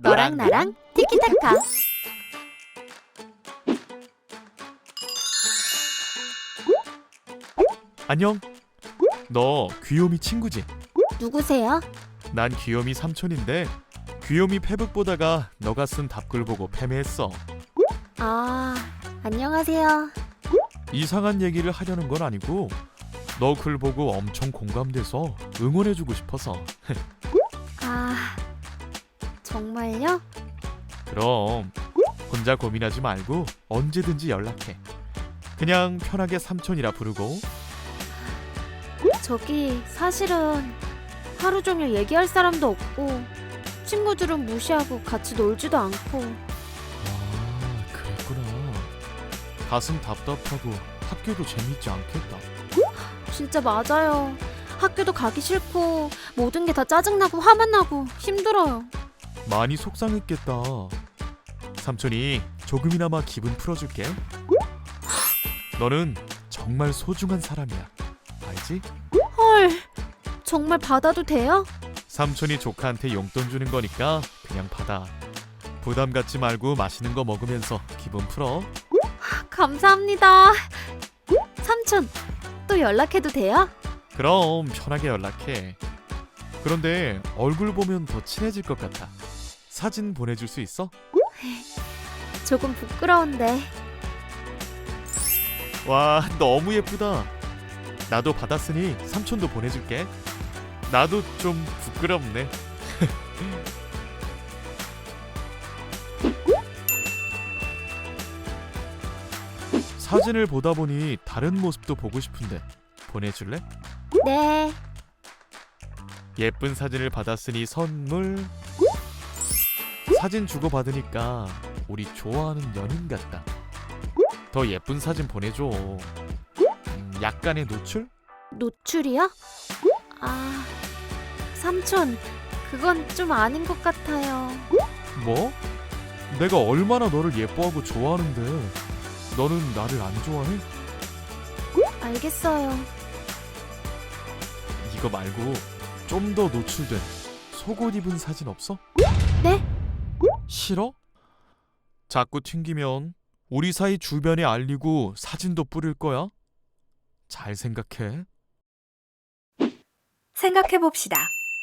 너랑 나랑 티키타카. 안녕. 너 귀요미 친구지? 누구세요? 난 귀요미 삼촌인데 귀요미 페북 보다가 너가 쓴 답글 보고 패배했어. 아, 안녕하세요. 이상한 얘기를 하려는 건 아니고 너 글 보고 엄청 공감돼서 응원해주고 싶어서. 아, 정말요? 그럼 혼자 고민하지 말고 언제든지 연락해. 그냥 편하게 삼촌이라 부르고. 저기 사실은 하루 종일 얘기할 사람도 없고 친구들은 무시하고 같이 놀지도 않고. 아, 그랬구나. 가슴 답답하고 학교도 재밌지 않겠다. 진짜 맞아요. 학교도 가기 싫고 모든 게 다 짜증나고 화만 나고 힘들어요. 많이 속상했겠다. 삼촌이 조금이나마 기분 풀어줄게. 너는 정말 소중한 사람이야. 알지? 헐, 정말 받아도 돼요? 삼촌이 조카한테 용돈 주는 거니까 그냥 받아. 부담 갖지 말고 맛있는 거 먹으면서 기분 풀어. 감사합니다. 삼촌, 또 연락해도 돼요? 그럼 편하게 연락해. 그런데 얼굴 보면 더 친해질 것 같아. 사진 보내줄 수 있어? 조금 부끄러운데. 와, 너무 예쁘다. 나도 받았으니 삼촌도 보내줄게. 나도 좀 부끄럽네. 사진을 보다 보니 다른 모습도 보고 싶은데 보내줄래? 네. 예쁜 사진을 받았으니 선물. 사진 주고받으니까 우리 좋아하는 연인 같다. 더 예쁜 사진 보내줘. 약간의 노출? 노출이요? 아, 삼촌, 그건 좀 아닌 것 같아요. 뭐? 내가 얼마나 너를 예뻐하고 좋아하는데 너는 나를 안 좋아해? 알겠어요. 이거 말고 좀 더 노출된 속옷 입은 사진 없어? 네? 싫어? 자꾸 튕기면 우리 사이 주변에 알리고 사진도 뿌릴 거야. 잘 생각해. 생각해봅시다.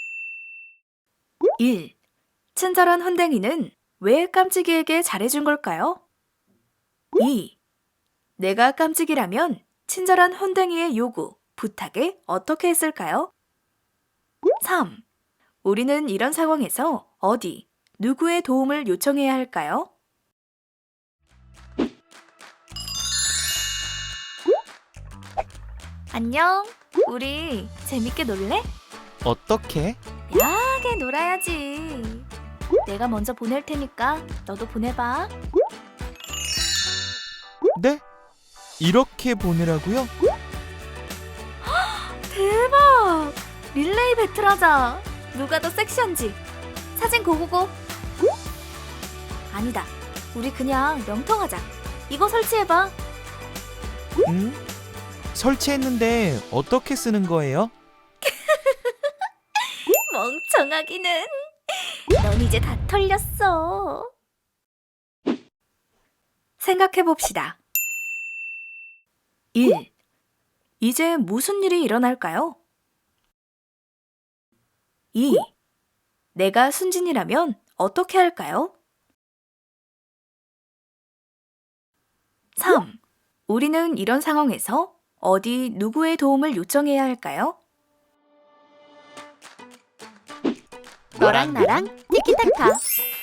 1. 친절한 혼댕이는 왜 깜찍이에게 잘해준 걸까요? 2. 내가 깜찍이라면 친절한 혼댕이의 요구, 부탁에 어떻게 했을까요? 3. 우리는 이런 상황에서 어디, 누구의 도움을 요청해야 할까요? 안녕. 우리 재밌게 놀래? 어떻게? 야하게 놀아야지. 내가 먼저 보낼 테니까 너도 보내봐. 네? 이렇게 보내라고요? 대박! 릴레이 배틀하자. 누가 더 섹시한지. 사진 고고고. 아니다. 우리 그냥 명통하자. 이거 설치해봐. 응? 설치했는데 어떻게 쓰는 거예요? 멍청하기는. 넌 이제 다 털렸어. 생각해봅시다. 1. 이제 무슨 일이 일어날까요? 2. 내가 순진이라면 어떻게 할까요? 3. 우리는 이런 상황에서 어디 누구의 도움을 요청해야 할까요? 너랑 나랑 티키타카.